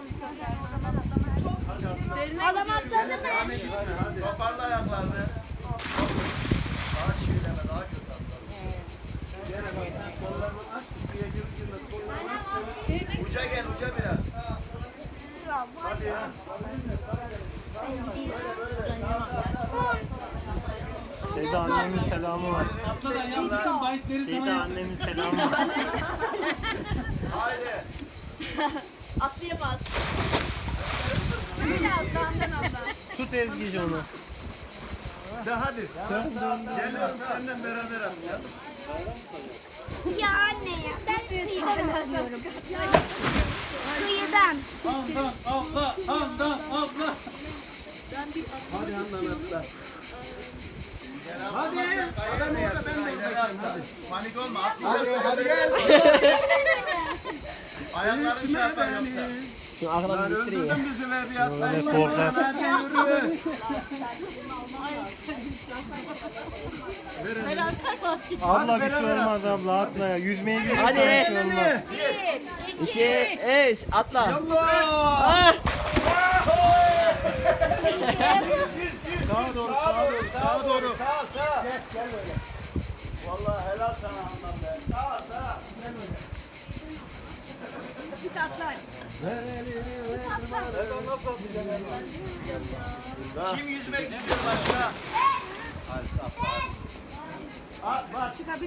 atlayacağım bu sefer. Adam atladı mı? Hadi. Toparla ayaklarını. Daha çiğneme, daha kötü atlar. Gene bak, kollarını aç, suya girdiğinde kollarını aç. Uca gel, uca biraz. Hadi ya. Şeyde annemin selamı var. Atladan ya bütün bahisleri Şeyde sana yap. annemin selamı var. Haydi. Atlayamaz. Böyle atlandan atlan. Tut Ezgi'ci onu. De hadi. Geliyorum senden beraber atlayalım. Ya anne ya. Ben kıyıdan atlıyorum. Kıyıdan. Handan atla, handan atla. Hadi Handan atla. Hadi. Adam orada ben de atlayayım. Hadi. Panik olma. Atlayacaksın. Hadi gel. Ayakların çarpar yoksa. Şimdi aklına bir bitirin ya. Öldürdün bizi be bir atla. Öyle korkar. Hadi yürü. Abla bir şey olmaz abla atla ya. Yüzmeye gidiyorsan Hadi. bir şey olmaz. 2, 3, atla. Allah. Sağa doğru, sağa doğru, sağa doğru. Sağ. Gel böyle. Vallahi helal sana Handan be. Sağ. Git atlar. Kim yüzmek istiyor başka? Hadi.